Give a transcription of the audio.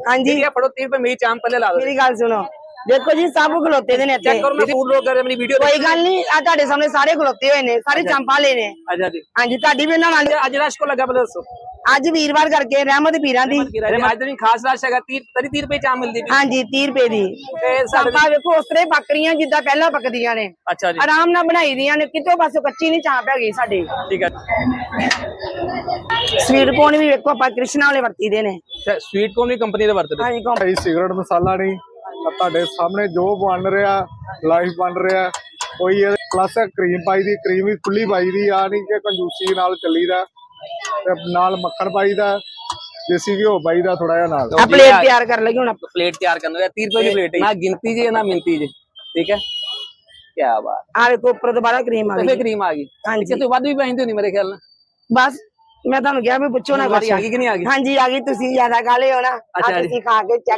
ਹਾਂਜੀ ਫੜੋ 30 ਰੁਪਏ ਮੇਰੀ ਚਾਂਪ ਪੱਲੇ ਲਾ ਦਿਓ। ਮੇਰੀ ਗੱਲ ਸੁਣੋ, ਦੇਖੋ ਜੀ ਸਭ ਖਲੋਤੇ ਦੇ ਨੇ ਇੱਥੇ। ਚੈੱਕ ਕਰੋ, ਮੈਂ ਫੂਡ ਬਲੌਗ ਕਰ ਰਿਹਾ, ਮੇਰੀ ਵੀਡੀਓ ਕੋਈ ਗੱਲ ਨਹੀਂ, ਆ ਤੁਹਾਡੇ ਸਾਹਮਣੇ ਸਾਰੇ ਖਲੋਤੇ ਹੋਏ ਨੇ, ਸਾਰੇ ਚਾਂਪਾਂ ਲੈ ਨੇ। ਅੱਛਾ ਜੀ, ਹਾਂਜੀ ਤੁਹਾਡੀ ਵੀ ਇਹਨਾਂ ਨਾਲ ਅੱਜ ਰਸ਼ ਕੋ ਲੱਗਾ ਪਹਿਲਾਂ ਦੱਸੋ। ਅੱਜ ਵੀਰਵਾਰ ਕਰਕੇ ਰਹਿਮਤ ਪੀਰਾਂ ਦੀ ਅੱਜ ਦਿਨ ਖਾਸ ਰਸ਼ ਹੈਗਾ। 30 ਰੁਪਏ ਚਾਂਪ ਮਿਲਦੀ ਪਈ। ਹਾਂਜੀ 30 ਰੁਪਏ ਦੀ ਚਾਂਪਾਂ ਵੇਖੋ ਉਸ ਤਰ੍ਹਾਂ ਬੱਕਰੀਆਂ ਜਿੱਦਾਂ ਪਹਿਲਾਂ ਪੱਕਦੀਆਂ ਨੇ, ਅੱਛਾ ਜੀ, ਆਰਾਮ ਨਾਲ ਬਣਾਈ ਦੀਆਂ ਨੇ, ਕਿਤੋਂ ਪਾਸੋਂ ਕੱਚੀ ਨਹੀਂ ਚਾਂਪ ਹੈਗੀ ਸਾਡੀ। ਠੀਕ ਹੈ। ਸਵੀਟ ਕੋਰਨ ਵੀ ਵੇਖੋ ਆਪਾਂ ਕ੍ਰਿਸ਼ਨਾ ਵਾਲੇ ਵਰਤੀਦੇ ਨੇ। ਸਵੀਟ ਕੋਰਨ ਵੀ ਕੰਪਨੀ ਦੇ ਵਰਤਦੇ। ਹਾਂਜੀ ਭਾਈ ਸਿਗਰਟ ਮਸਾਲਾ ਨਹੀਂ, ਤੁਹਾਡੇ ਸਾਹਮਣੇ ਜੋ ਬਣ ਰਿਹਾ ਲਾਈਵ ਬਣ ਰਿਹਾ। ਕੋਈ ਪਲੱਸ ਕਰੀਮ ਪਾਈ ਦੀ, ਕਰੀਮ ਵੀ ਖੁੱਲੀ ਪਾਈ ਦੀ ਆ, ਨਹੀਂ ਕਿ ਕੰਜੂਸੀ ਨਾਲ ਚੱਲੀਦਾ। ਤੇ ਨਾਲ ਮੱਖਣ ਪਾਈਦਾ, ਦੇਸੀ ਘਿਓ ਪਾਈਦਾ ਥੋੜਾ ਜਿਹਾ ਨਾਲ। ਆ ਪਲੇਟ ਤਿਆਰ ਕਰ ਲਗੇ ਹੁਣ ਆਪਾਂ। ਪਲੇਟ ਤਿਆਰ ਕਰਨਾ ਹੈ 30 ਰੁਪਏ ਦੀ ਪਲੇਟ ਹੈ, ਨਾ ਗਿਣਤੀ ਜੀ ਨਾ ਮਿੰਤੀ ਜੀ। ਠੀਕ ਹੈ, ਕੀ ਬਾਤ। ਆ ਵੇਖੋ ਉੱਪਰ ਦੁਬਾਰਾ ਕਰੀਮ ਆ ਗਈ। ਕਰੀਮ ਆ ਗਈ। ਹਾਂਜੀ ਕਿਤੇ ਵੱਧ ਵੀ ਪੈਂਦੀ ਹੋਣੀ ਮੇਰੇ ਖਿਆਲ ਨਾਲ। ਬਸ ਮੈਂ ਤੁਹਾਨੂੰ ਕਿਹਾ ਵੀ ਪੁੱਛੋ ਨਾ। ਆ ਗਈ ਕਿ ਨਹੀਂ ਆ ਗਈ? ਹਾਂਜੀ ਆ ਗਈ, ਤੁਸੀਂ ਜ਼ਿਆਦਾ ਖਾ ਲਿਓ ਨਾ, ਤੁਸੀਂ ਖਾ ਕੇ